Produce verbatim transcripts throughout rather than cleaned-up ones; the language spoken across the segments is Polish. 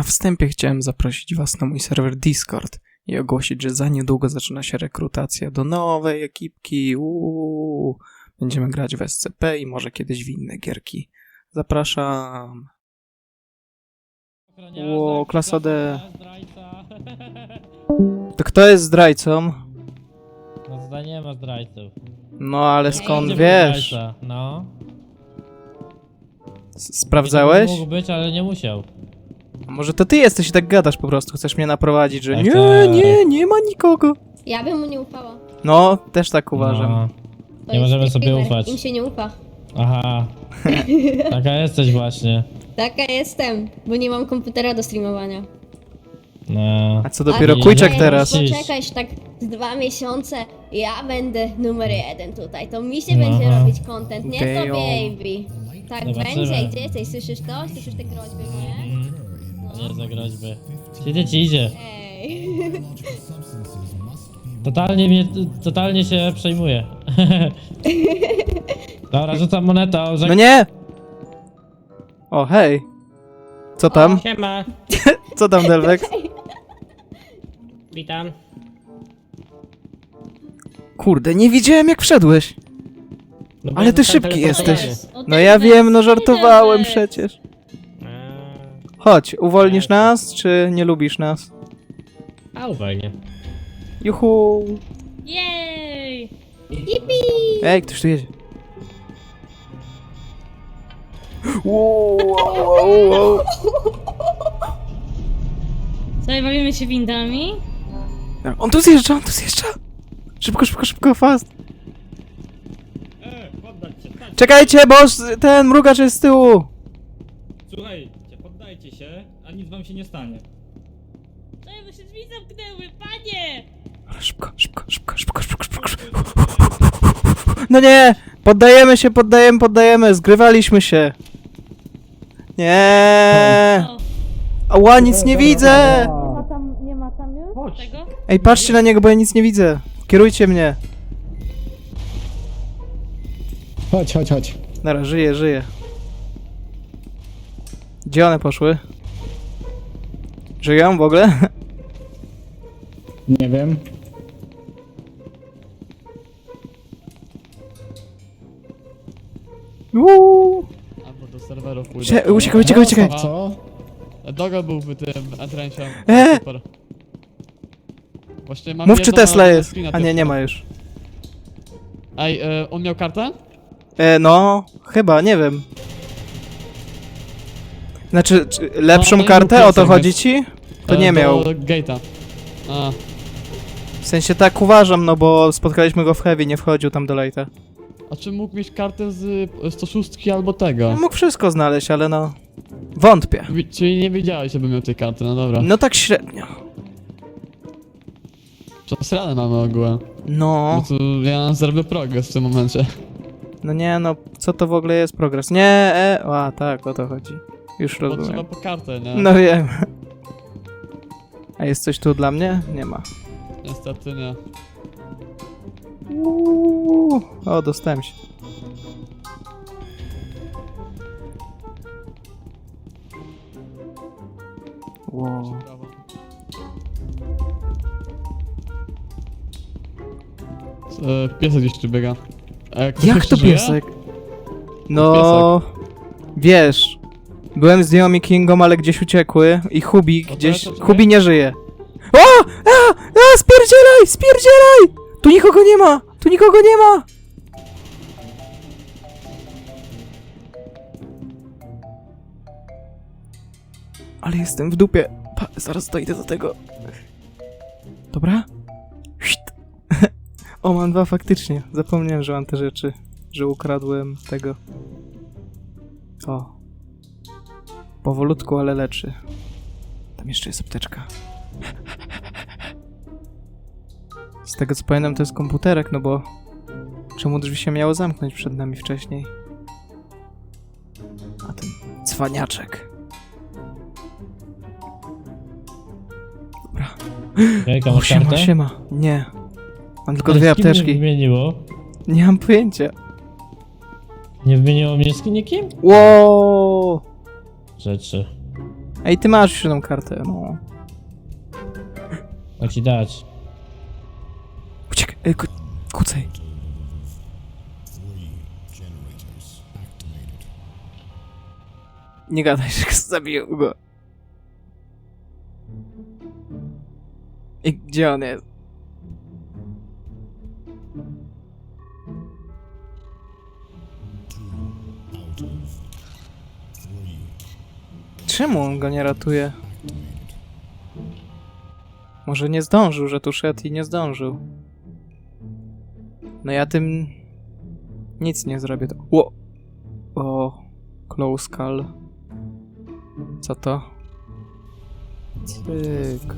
Na wstępie chciałem zaprosić was na mój serwer Discord i ogłosić, że za niedługo zaczyna się rekrutacja do nowej ekipki. Uuu. Będziemy grać w S C P i może kiedyś w inne gierki. Zapraszam. Ło, klasa D. To kto jest zdrajcą? No tutaj nie ma zdrajców. No ale skąd Gdzie wiesz? był zdrajca? No. S- Sprawdzałeś? Mógł być, ale nie musiał. A może to ty jesteś i tak gadasz po prostu, chcesz mnie naprowadzić, że Tak, nie, tak. nie, nie ma nikogo. Ja bym mu nie ufała. No, też tak uważam. No. To Nie jest możemy sobie gamer, ufać. Im się nie ufa. Aha. Taka jesteś właśnie. Taka jestem, bo nie mam komputera do streamowania. No. A co dopiero Ale Kujczak nie, teraz? nie. Poczekaj, tak z dwa miesiące ja będę numer jeden tutaj. To mi się No. będzie robić content, nie to Damn. baby. Tak Zobaczymy. będzie, gdzie jesteś? Słyszysz to? Słyszysz te groźby moje? Mm. Nie za groźby. Idzie ci idzie. Ej. Totalnie mnie, totalnie się przejmuje. Dobra, rzucam monetą, że... No nie! O, hej! Co tam? Siema. Co tam, Delvex? Witam. Kurde, nie widziałem jak wszedłeś. No Ale ty bo szybki tam jesteś. teleportuje. No ja wiem, no żartowałem przecież. Chodź, uwolnisz nas, czy nie lubisz nas? A uwolnię. Juhu! Jej! Yippee! Ej, ktoś tu jedzie. Wow, wow, wow, wow. Sobie bawimy się windami? On tu zjeżdża, on tu zjeżdża! Szybko, szybko, szybko, fast! E, poddać się, tak. Czekajcie, bo z- ten mrugacz jest z tyłu! Słuchajcie, poddajcie się, a nic wam się nie stanie. Ej, bo się drzwi zamknęły, panie! Szybko, szybko, szybko, szybko, szybko, szybko, szybko. No nie! Poddajemy się, poddajemy, poddajemy, zgrywaliśmy się. Nie! O, Ała, nic nie widzę! nie ma tam, nie ma tam już tego? Ej, patrzcie na niego, bo ja nic nie widzę. Kierujcie mnie. Chodź, chodź, chodź. Dobra, żyję, żyję. Gdzie one poszły? Żyją w ogóle? Nie wiem. Uuu. Albo do serwerów pójdę. Cie- Uciekaj, uciekaj, uciekaj. Co? Dogo byłby tym entrensią. E! Super. Właśnie mam Mów, czy jedną Tesla jest. screena A nie, tylko. nie ma już. Ej, e, on miał kartę? E, no, chyba, nie wiem. Znaczy, czy lepszą No, no i kartę, mów, o to jak chodzi jest. ci? To E, nie do miał. Gate'a. A, W sensie tak uważam, no bo spotkaliśmy go w Heavy, nie wchodził tam do Lighta. a czy mógł mieć kartę z e, sto sześć albo tego? Mógł wszystko znaleźć, ale no... Wątpię. Wi- Czyli nie wiedziałeś, żeby miał tej karty, no dobra. No tak średnio. Przesrane mamy ogółem. No, Bo tu ja zrobię progres w tym momencie. no nie, no, co to w ogóle jest progres? Nie, e, a tak, o to chodzi. Już Bo trzeba rozumiem. po kartę, nie? No wiem. A jest coś tu dla mnie? Nie ma. Niestety nie. Uuu. O, dostałem się. Wow. Brawo. E, piesek gdzieś tu biega. E, ktoś Jak jeszcze to żyje? piesek? No, wiesz, byłem z Naomi Kingą, ale gdzieś uciekły i Hubi to gdzieś, ja to Hubi czekaj. nie żyje. O! A! A! Spierdzielaj! Spierdzielaj! Tu nikogo nie ma! Tu nikogo nie ma! Ale jestem w dupie. Pa, zaraz dojdę do tego. Dobra? Szt. O, mam dwa faktycznie. Zapomniałem, że mam te rzeczy. Że ukradłem tego. O. Powolutku, ale leczy. Tam jeszcze jest apteczka. Z tego co pamiętam, to jest komputerek, no bo... Czemu drzwi się miało zamknąć przed nami wcześniej? A ten cwaniaczek. Dobra. Jajka, O, masz siema, kartę? siema. Nie. Mam tylko Ale dwie z kim mnie apteczki. wymieniło? Nie mam pojęcia. Nie wymieniło mnie z nikim? Wow! Rzeczy. Ej, ty masz już jedną kartę, no. Ma ci dać. Uciekaj, ej, ku kucaj. Nie gadaj, że zabiję go. I gdzie on jest? Czemu on go nie ratuje? Może nie zdążył, że tu szedł i nie zdążył. No ja tym nic nie zrobię. To... Ło! O, close call. Co to? Cyk.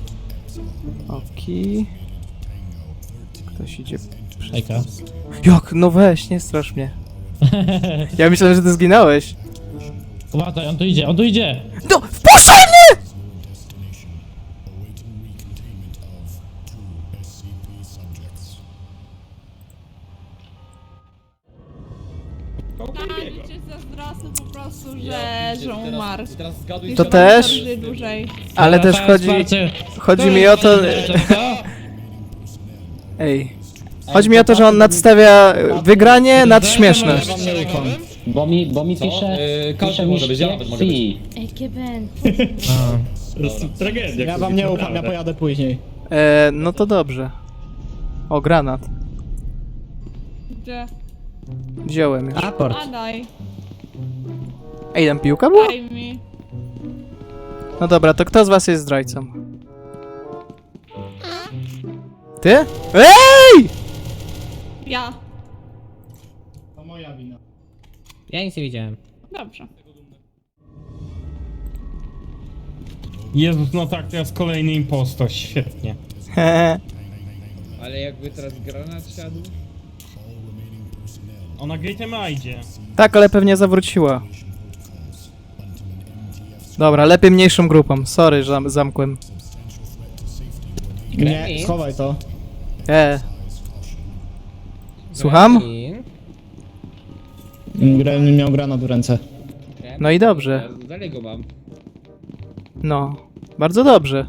Oki. Ktoś idzie. Hejka. Jak? No weź, nie strasz mnie. Ja myślałem, że ty zginąłeś. Uważaj, on tu idzie, on tu idzie! No, wpuszczaj mnie! Kołka Ja nie biega. liczę zazdrosny po prostu, że, Ja że pierdzielę, teraz- umarł. Teraz zgaduj To się- też? Żyje dłużej. Ale też Teraz chodzi, walczy. chodzi mi o to... Co? Ej. Chodzi mi o to, że on nadstawia wygranie nad śmieszność. Ja wam nie ufam. Bo mi, bo mi Co? pisze, Yy, każdy pisze mi może być, ja nawet mogę być. si. Ej, Keben. A. To jest tragedia. Ja wam nie ufam, ja pojadę później. E, no to dobrze. O, granat. Gdzie? Wziąłem już. Aport. A daj, Ej, tam piłka była? daj mi. No dobra, to kto z was jest zdrajcą? Ty? Ej! Ja. To moja wina. Ja nic nie widziałem. Dobrze. Jezus, no tak, teraz kolejny impostor, świetnie. Ale jakby teraz granat siadł? Ona gate'em idzie. Tak, ale pewnie zawróciła. Dobra, lepiej mniejszą grupą. Sorry, że zam zamkłem. Nie, schowaj to. E. Słucham? Gremlin miał granat w ręce. No i dobrze. Ja dalej go mam. No. Bardzo dobrze.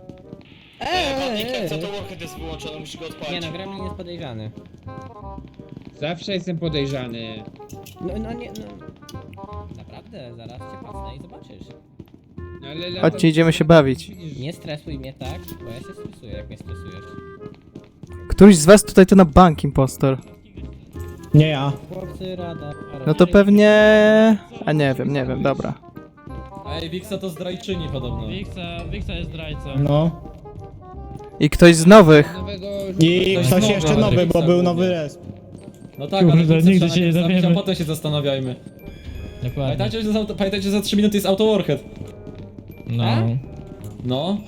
Nie no, Gremlin jest podejrzany. Zawsze jestem podejrzany. No, no nie, no. Naprawdę, zaraz cię pasnę i zobaczysz. No, ale latam- Chodźcie, idziemy się bawić. Nie stresuj mnie tak, bo ja się stresuję, jak mnie stresujesz. Któryś z was tutaj to na bank impostor. Nie ja. Chłopcy, rada. No to pewnie... A nie wiem, nie wiem, dobra. Ej, Wiksa to zdrajczyni podobno. Wiksa, Wiksa jest zdrajcą. No. I ktoś z nowych. Nowego... I Ktoś ktoś nowy, jeszcze ale nowy, bo Wiksa był głównie. nowy resp. No tak, Kurde, ale Wiksa nigdy trzeba się nie najpierw zabić, dowiemy. a potem się zastanawiajmy. Dokładnie. Pamiętajcie, że za, pamiętajcie, że za trzy minuty jest auto warhead. No. No.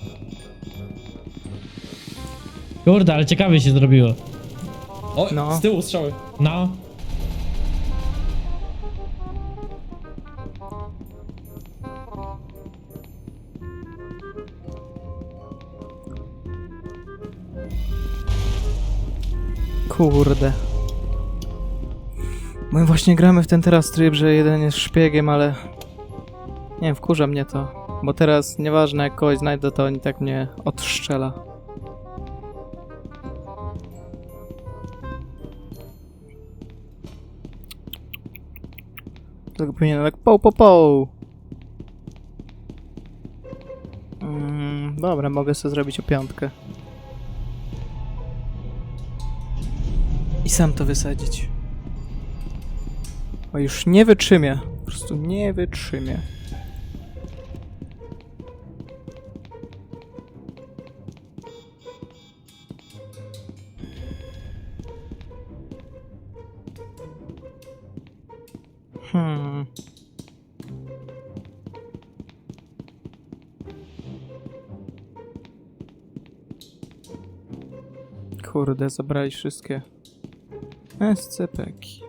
Kurde, ale ciekawie się zrobiło. O, No. z tyłu strzały. No. Kurde. My właśnie gramy w ten teraz tryb, że jeden jest szpiegiem, ale... Nie wiem, wkurza mnie to. Bo teraz, nieważne jak kogoś znajdę, to on i tak mnie odstrzela. Tylko powinienem tak poł, poł, poł. Mm, dobra, mogę sobie zrobić o piątkę. I sam to wysadzić. O, już nie wytrzymię. Po prostu nie wytrzymię. Hmm. Kurde, zabrali wszystkie S C P-ki.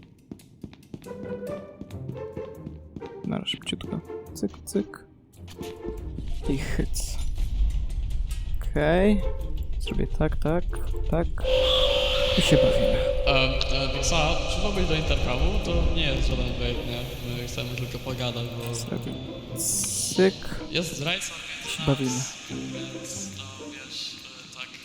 Na szybciutko. Cyk, cyk. I hyc. Okej. Okay. Zrobię tak, tak, tak. I się bawimy. E, e, Wiksa, przyszedłbyś do Intercomu? To nie jest żaden bait, nie? My chcemy tylko pogadać, bo Cyk. jest zdrajca, I się bawimy. więc no wiesz, e, tak.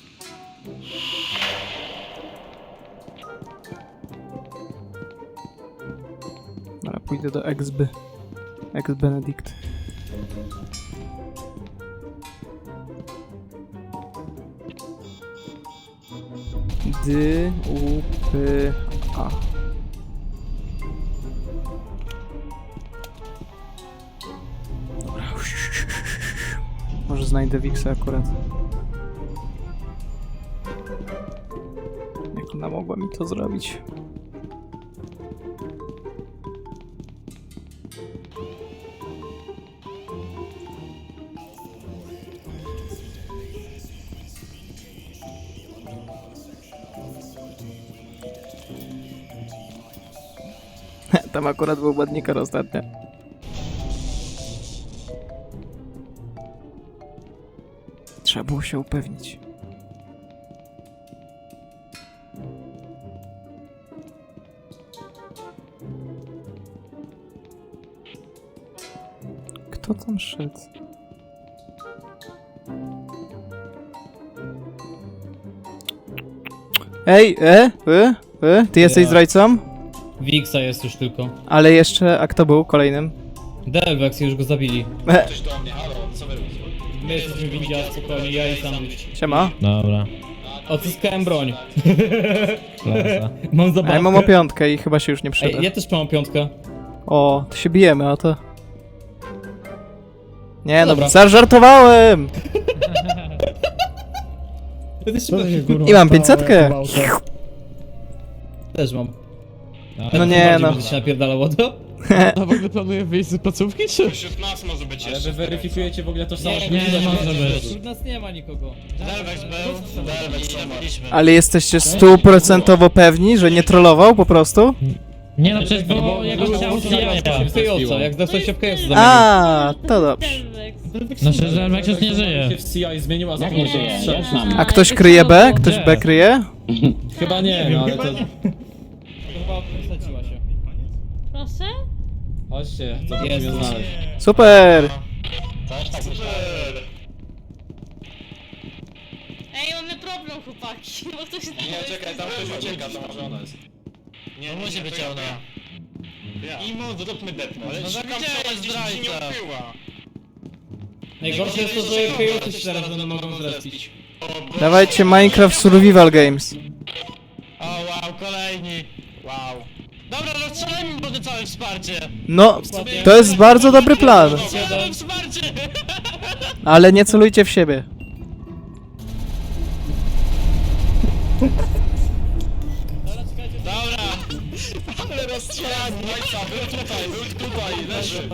Dobra, pójdę do Exby. Ex-Benedict. D, U, P, A. Dobra. Może znajdę Wixa akurat. Jak ona mogła mi to zrobić? Tam akurat był ładniker ostatnio. Trzeba było się upewnić. Kto tam szedł? Ej, e, e, e, ty jesteś Ja. zdrajcą? Wixa jest już tylko. Ale jeszcze, a kto był kolejnym? Delvex już go zabili. E, My jesteśmy winni, a spokojnie, ja i sandwich. siema. Dobra. Odzyskałem broń. Mam A ja zabawkę. mam o piątkę i chyba się już nie przyda. Ej, ja też mam piątkę. O, to się bijemy, o to. Nie no, Dobra. zażartowałem! Ja też, Co to się kurwa I mam stało, pięćsetkę. jak gwałta? też mam. No nie, no. Będę się napierdalało to? A w ogóle planuję wyjść z placówki, czy? Wśród nas może być Ale jeszcze. wy weryfikujecie w ogóle tożsamość? Nie, nie, nie może być. Wśród nas nie ma nikogo. Delvex był, Delvex Ale jesteście stuprocentowo pewni, że nie trollował po prostu? Nie no, przecież było jego ciało w Kyoto, jak dostał się w Kyoto zamienił. A, to dobrze. Delvex. No że Delvex już nie żyje. się w C I zmienił, a Jak nie żyje? Ja już mam. A ktoś kryje B? Ktoś B kryje? Chyba nie, no ale to... Chyba wysadziła się. Proszę? Chodźcie, to Jest. musimy znaleźć. Super! Ej, mamy problem, chłopaki, bo ktoś... Nie, czekaj, tam ktoś ucieka, to może ona jest. Nie, No musi być ona. Imo, zróbmy depno. Ale No szukam, gdzie co jest ona gdzieś nie zdrajca? ukryła. Najgorsze jest to, że Kyoto się teraz będą mogą zrespić. Dawajcie Minecraft Survival Games. O wow, kolejni. Wow. Dobra, rozstrzelajmy może całe wsparcie. No, to jest bardzo dobry plan. Całe wsparcie. Ale nie celujcie w siebie. Dobra. Ale rozstrzelanie, był tutaj, był tutaj, leży.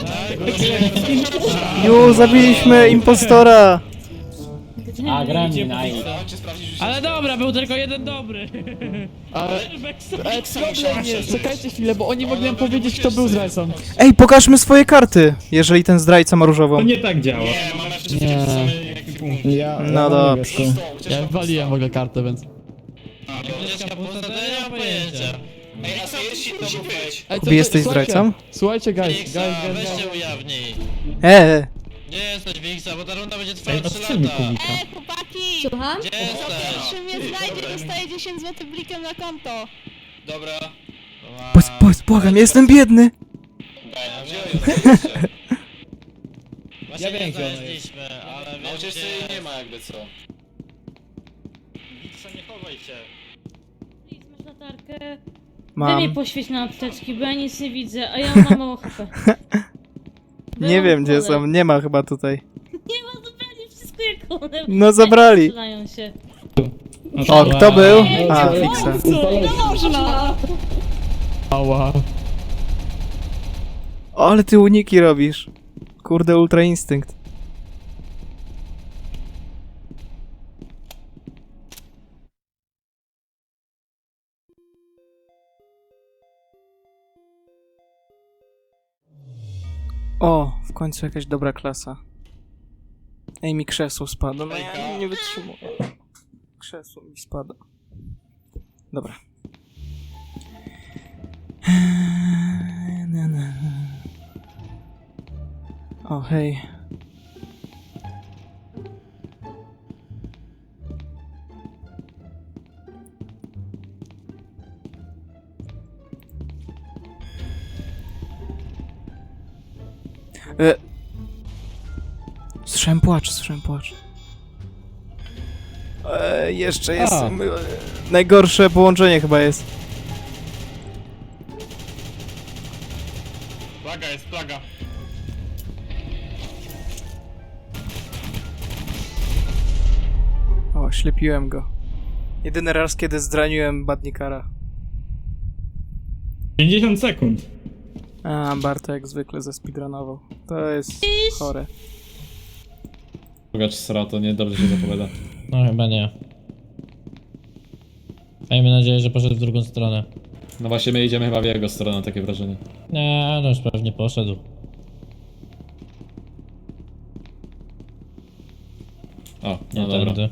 Ju, zabiliśmy impostora! A, grami, nice. Chodźcie sprawdzić, już Ale dobra, był tylko jeden dobry. Ale... Ej, problem jest, czekajcie chwilę, bo oni mogli nam powiedzieć, kto był zdrajcą. Ej, pokażmy swoje karty, jeżeli ten zdrajca ma różową. tak działa. Nie, mamy wszystkie Nie. te same jaki punkt. Ja, ja No mam dobrze. niebieską. Ja waliłem w ogóle kartę, więc... Dziecka pusta, to nie mam pojęcia. Ej, a co jeśli to musi być? Ej, Kubi, jesteś słuchajcie, zdrajcą? Słuchajcie, guys, guys, guys, Weź guys. się ujawnij. Eee, Gdzie jesteś, Wiksa, bo ta runda będzie trwała trzy lata. Ej, chłopaki! Słucham? Gdzie jesteś? Czy mnie znajdzie, dostaje dziesięć złotych blikiem na konto. Dobra. Powiedz, powiedz, błagam, jestem biedny! Ja wiem, gdzie ona jest. Ale Na ucieczce jej nie ma jakby co. Wiksa, nie chowaj się. Please, masz latarkę? Wy Mam. mnie poświeć na apteczki, bo ja nic nie widzę, a ja mam mało H P. Nie wiem gdzie są, nie ma chyba tutaj. Nie ma zupełnie wszystko jak one. No zabrali. Strzelają się. O, kto był? Ej, A, nie Fixa. No można! Ała. O, ale ty uniki robisz. Kurde, ultra instynkt. O, w końcu jakaś dobra klasa. Ej, mi krzesło spada. No ja nie wytrzymuję. Krzesło mi spada. Dobra. Na, na. O, hej. E. Słyszałem płacz, słyszałem płacz. E, jeszcze jest. A. E, najgorsze połączenie chyba jest. Plaga jest, plaga. O, ślepiłem go. Jedyny raz, kiedy zdraniłem Badnikara. pięćdziesiąt sekund. A, Barto jak zwykle zespeedrunował. To jest chore. Pogacz sra, to niedobrze się zapowiada. No chyba nie. Miejmy nadzieję, że poszedł w drugą stronę. No właśnie, my idziemy chyba w jego stronę, takie wrażenie. Nie, no już pewnie poszedł. O, Nie no dobra. tędy.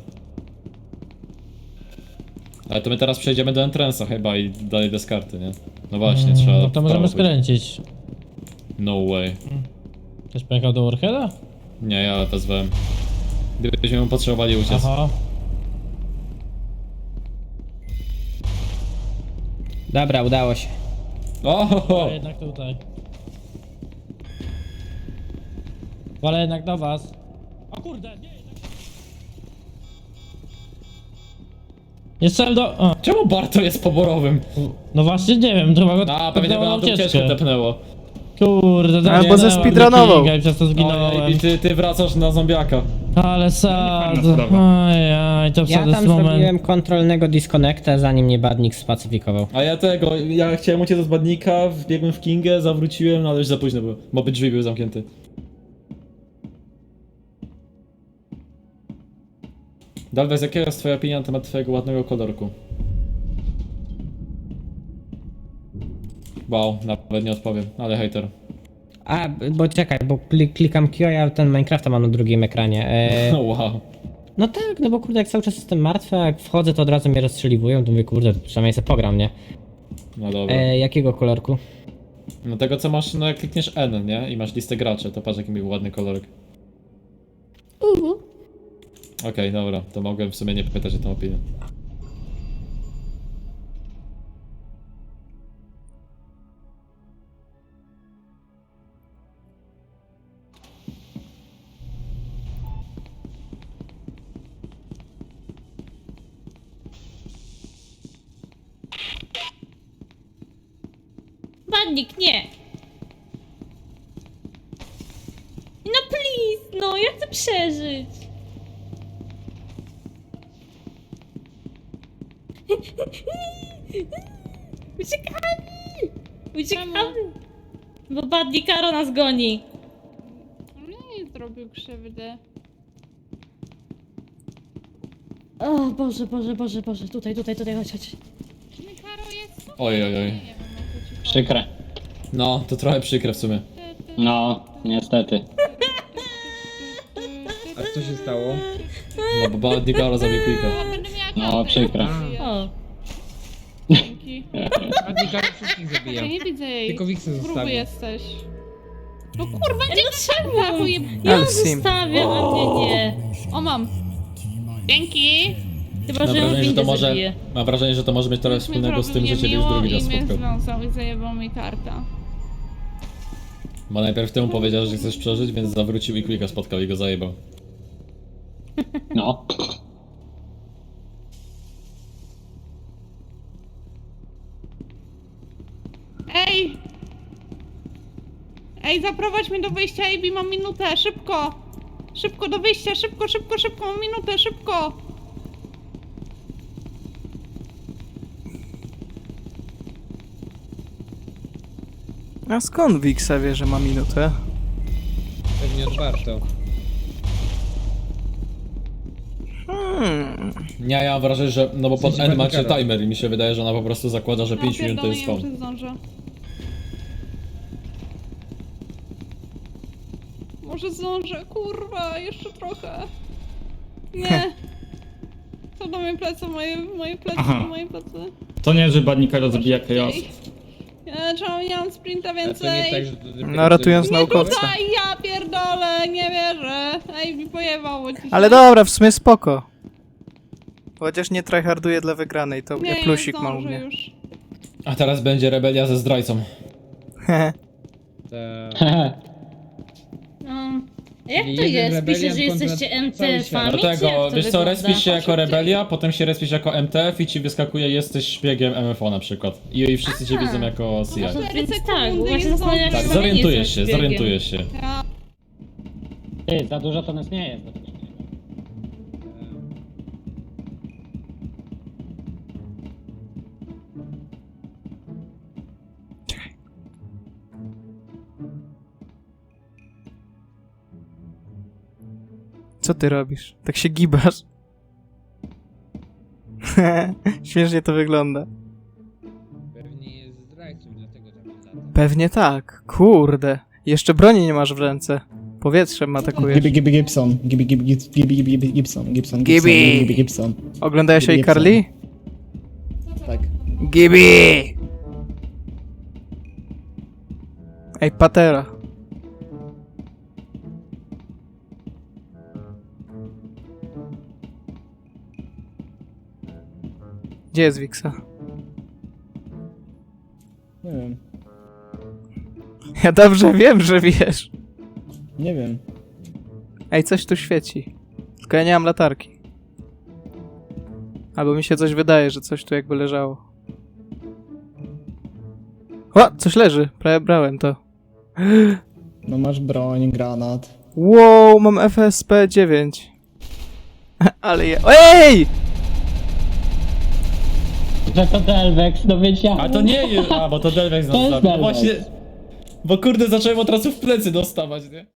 Ale to my teraz przejdziemy do entrance'a chyba i dalej deskarty, nie? No właśnie, Mm, trzeba... No to w możemy prawo pójść. skręcić. No way. Ktoś pojechał do Warheada? Nie, ja wezwałem. Gdybyśmy mu potrzebowali uciec. Aha. Dobra, udało się. O, ho, ho. A jednak tutaj. Wolę jednak do was. O kurde, nie, jednak... Jestem do... O, Czemu Barto jest poborowym? no właśnie nie wiem, to chyba go A, pewnie tepnęło by na nam tą ucieczkę tepnęło. Kurde, to Albo nie, ze nie, speedrunował. nie, I przez to zginąłem. O, i ty, ty wracasz na zombiaka. Ale sad. Ojej, to Ja wtedy tam jest moment. zrobiłem kontrolnego disconnecta, zanim mnie badnik spacyfikował. A ja tego, ja chciałem uciec od badnika, wbiegłem w Kingę, zawróciłem, no ale już za późno było, bo by drzwi były zamknięte. Dalwez, jaka jest twoja opinia na temat twojego ładnego kolorku? Wow, nawet nie odpowiem, ale hater. A, bo czekaj, bo kli- klikam Q, a ja ten Minecrafta mam na drugim ekranie. E, No wow. no tak, no bo kurde, jak cały czas jestem martwy, a jak wchodzę, to od razu mnie rozstrzeliwują, to mówię, kurde, przynajmniej sobie pogram, nie? No dobra. E, jakiego kolorku? No tego co masz, no jak klikniesz N, nie? I masz listę graczy, to patrz jaki był ładny kolorek. Uhu. Okej, dobra, to mogłem w sumie nie pytać o tą opinię. Badnik, nie! No please, no, ja chcę przeżyć! Uciekamy! Uciekamy! Bo Badnik Karo nas goni! Nie zrobił krzywdy. O Boże, Boże, Boże, Boże, tutaj, tutaj, tutaj, chodź, chodź. Karo jest... Oj, oj, oj. Nie wiem, o co ci chodzi. Przykre. No, to trochę przykre w sumie. No, niestety. A co się stało? No bo Badnikaro zabił Quicka. O, będę miała No, kartę, przykre. jak żyjesz. O, Dzięki. Badnikary wszystkich zabija. Ja nie widzę jej. Tylko Wixen Gruby zostawił. jesteś. No kurwa, nie trzeba! bo je- ja Ale sim. zostawiam, a nie, nie. O, mam. Dzięki. Chyba, Mam że ją wrażenie, że to windę może, zabiję. mam wrażenie, że to może mieć trochę Już mi wspólnego z tym, zrobił że ciebie już niemiło drugi raz i mnie spotkał. związał i zajebał mi karta. Bo najpierw temu powiedział, że chcesz przeżyć, więc zawrócił i Quicka spotkał i go zajebał. No. Ej! Ej, zaprowadź mnie do wyjścia, Ej, mam minutę, szybko! Szybko do wyjścia, szybko, szybko, szybko, mam minutę, szybko! A skąd Wixa wie, że ma minutę? Pewnie od Barto. Hmm. Nie, ja mam wrażenie, że, no bo W pod sensie N macie Badnikara. timer i mi się wydaje, że ona po prostu zakłada, że pięć minut to jest pierdolę, spawn. ja już zdążę. Może zdążę, kurwa, jeszcze trochę. Nie. Co do moje plecy, moje, moje plecy, Aha. moje plecy. To nie, że Badnikara zabija chaos. Ja, czemu nie mam sprinta A to nie więcej? tak, że... że- No, ratując Nie naukowca. tutaj, ja pierdolę, nie wierzę. Ej, mi pojebało ci się. Ale dobra, w sumie spoko. Chociaż nie tryharduję dla wygranej, to Nie, plusik nie ma u zdążę mnie. już. A teraz będzie rebelia ze zdrajcą. Ta... Um, jak Czyli to jeden jest? Pisze, rebeliant że kontra jesteście cały M T świat. F-ami? Dlatego, wiesz co, respisz się jako Szybciej. rebelia, potem się respisz jako M T F i ci wyskakuje jesteś szpiegiem M F O na przykład. I, i wszyscy cię widzą jako C I. Cztery Więc sekundy tak, bo właśnie jest zastanawiam dobrze. Tak, sami nie zorientujesz jestem się, szpiegiem. zorientujesz się. Ja... Ty, za dużo to nas nie jest. Co ty robisz? Tak się gibasz. Śmiesznie to wygląda. Pewnie jest zdrajcą, dlatego tam lata. Pewnie tak. Kurde. Jeszcze broni nie masz w ręce. Powietrzem atakujesz. Gibi Gibi Gibson. Gibi Gibi Gib- Gibi Gibi Gibson. Gibson. Gibson. Gibi. Gibi Gibson. Oglądałeś Gibi iCarly? Tak. Gibi! Ej, patera. Gdzie jest Wiksa? Nie wiem. Ja dobrze wiem, że wiesz. Nie wiem. Ej, coś tu świeci. Tylko ja nie mam latarki. Albo mi się coś wydaje, że coś tu jakby leżało. O! Coś leży. Prawie brałem to. No masz broń, granat. Wow, mam F S P dziewięć. Ale je... Ej! Że to Delvex, no wiedziałem. A to nie jest, a bo to Delvex To nas jest zabił. No Delvex. właśnie, bo kurde zacząłem od razu w plecy dostawać, nie?